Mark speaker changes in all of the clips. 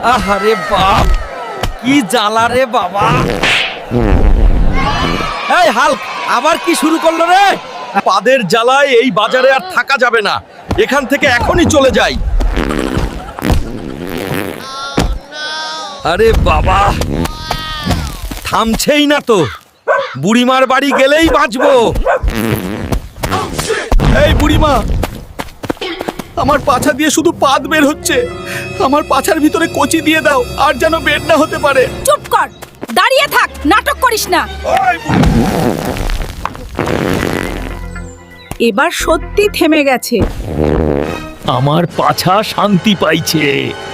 Speaker 1: আহারে বাপ, কি জ্বালা রে বাবা। এই হাল্ক আবার কি শুরু করলো রে? পাদের জ্বালায় এই বাজারে আর থাকা যাবে না, এখান থেকে এখনই চলে যাই। আরে বাবা, থামছেই না তো। বুড়িমার বাড়ি গেলেই বাঁচবো। এই বুড়িমা, আমার পাছা দিয়ে শুধু পাদ বের হচ্ছে। আমার পাছার ভিতরে কচি দিয়ে দাও, আর যেন বের না হতে পারে।
Speaker 2: চুপ কর, দাঁড়িয়ে থাক, নাটক করিস না। এবার সত্যি থেমে গেছে।
Speaker 1: আমার পাছা শান্তি পাইছে।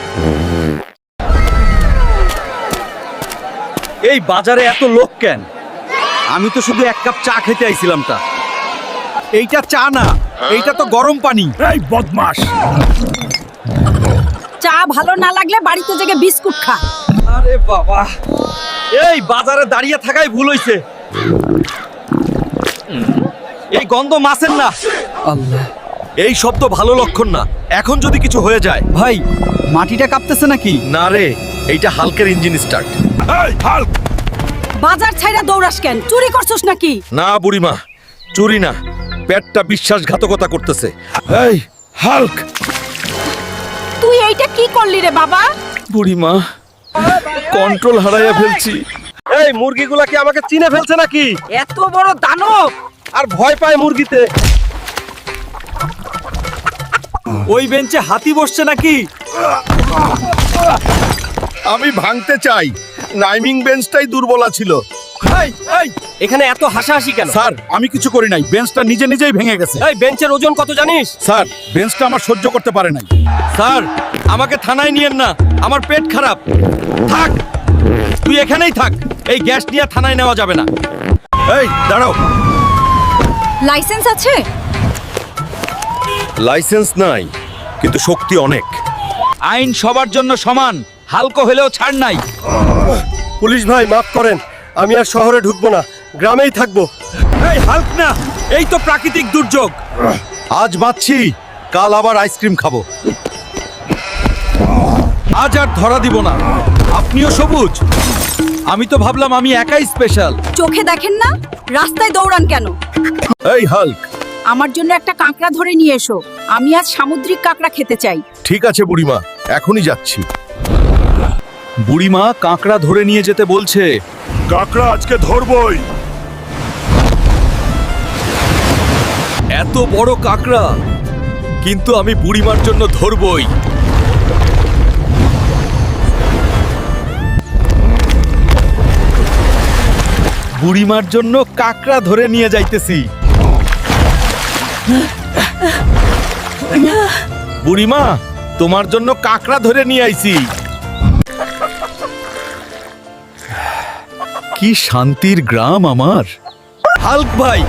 Speaker 1: এই বাজারে এত লোক কেন? আমি তো শুধু এক কাপ চা খেতে আইছিলাম। তা এইটা চা না, এইটা তো গরম পানি। এই বদমাশ!
Speaker 2: চা ভালো না লাগলে বাড়িতে জেগে বিস্কুট খা।
Speaker 1: আরে বাবা, এই বাজারে দাঁড়িয়ে থাকাই ভুল হইছে। এই গন্ধ মাছের না। আল্লাহ, এই শব্দ ভালো লক্ষণ না। এখন যদি কিছু হয়ে যায়।
Speaker 3: ভাই, মাটিটা কাঁপতেছে নাকি?
Speaker 1: না রে, এইটা হালকের ইঞ্জিন স্টার্ট। এই হাল্ক!
Speaker 2: বাজার ছাইরা দৌড়াস কেন? চুরি করছস নাকি?
Speaker 1: না বুড়িমা, চুরি না, পেটটা বিশ্বাসঘাতকতা করতেছে। এই হাল্ক!
Speaker 2: তুই এইটা কি করলি রে বাবা?
Speaker 1: বুড়িমা, কন্ট্রোল হারাইয়া ফেলছি। এই মুরগিগুলা কি আমাকে চিনে ফেলছে নাকি?
Speaker 2: এত বড় দানব!
Speaker 1: আর ভয় পায় মুরগিতে। ওই বেঞ্চে হাতি বসছে নাকি?
Speaker 4: আমি ভাঙতে চাই, নাইমিং বেঞ্চটাই দুর্বলা ছিল।
Speaker 1: এই এই, এখানে এত হাসাহাসি কেন?
Speaker 4: স্যার, আমি কিছু করি নাই, বেঞ্চটা নিজে নিজেই ভেঙে গেছে।
Speaker 1: এই বেঞ্চের ওজন কত জানিস?
Speaker 4: স্যার, বেঞ্চটা আমার সহ্য করতে পারে নাই।
Speaker 1: স্যার, আমাকে থানায় নিয়েন না, আমার পেট খারাপ। থাক, তুই এখানেই থাক। এই গ্যাস নিয়ে থানায় নেওয়া যাবে না। এই দাঁড়াও।
Speaker 2: লাইসেন্স আছে?
Speaker 1: লাইসেন্স নাই, কিন্তু শক্তি অনেক।
Speaker 3: আইন সবার জন্য সমান, হালকা হলেও ছাড় নাই।
Speaker 5: পুলিশ ভাই, মাফ করেন, আমি আর শহরে ঢুকবো না, গ্রামেই থাকবো।
Speaker 1: এই হাল্ক না, এই তো প্রাকৃতিক দুর্যোগ। আজ বাঁচছি, কাল আবার আইসক্রিম খাবো। আজ আর ধরা দিব না। আপনিও সবুজ। আমি তো ভাবলাম আমি একাই স্পেশাল।
Speaker 2: চোখে দেখেন না? রাস্তায় দৌড়ান কেন?
Speaker 1: এই হাল্ক,
Speaker 2: আমার জন্য একটা কাঁকড়া ধরে নিয়ে এসো। আমি আজ সামুদ্রিক কাঁকড়া খেতে চাই।
Speaker 4: ঠিক আছে বুড়িমা, এখনই যাচ্ছি।
Speaker 1: বুড়িমা কাঁকড়া ধরে নিয়ে যেতে বলছে।
Speaker 4: কাকড়া আজকে ধরবই।
Speaker 1: এত বড় কাঁকড়া, কিন্তু আমি বুড়িমার জন্য ধরবই। বুড়িমার জন্য কাঁকড়া ধরে নিয়ে যাইতেছি। বুড়িমা, তোমার জন্য কাঁকড়া ধরে নিয়ে আইছি। কি শান্তির গ্রাম আমার। হাল্ক ভাই,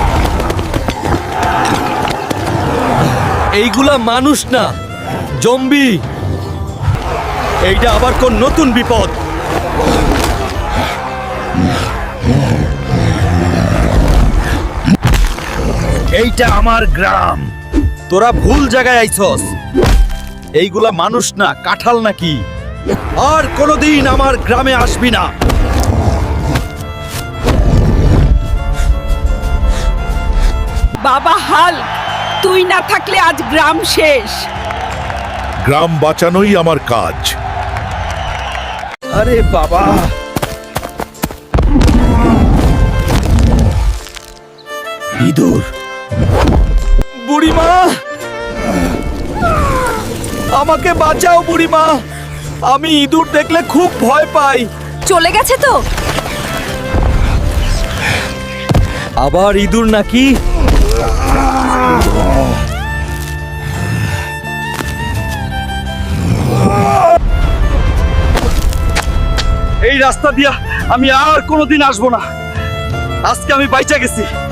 Speaker 1: এইগুলা মানুষ না, জম্বি। এইটা আবার কোন নতুন বিপদ? এইটা আমার গ্রাম। তোরা ভুল জায়গায় আইছস। এইগুলা মানুষ না, কাঁঠাল নাকি। আর কোনোদিন আমার গ্রামে আসবি না।
Speaker 2: বাবা হাল্ক, তুই না থাকলে আজ গ্রাম শেষ।
Speaker 4: গ্রাম বাঁচানোই আমার কাজ।
Speaker 1: আরে বাবা, ইঁদুর। বুড়িমা, আমাকে বাঁচাও বুড়িমা। আমি ইঁদুর দেখলে খুব ভয় পাই।
Speaker 2: চলে গেছে তো?
Speaker 1: আবার ইঁদুর নাকি? এই রাস্তা দিয়া আমি আর কোনোদিন আসবো না। আজকে আমি বাইচা গেছি।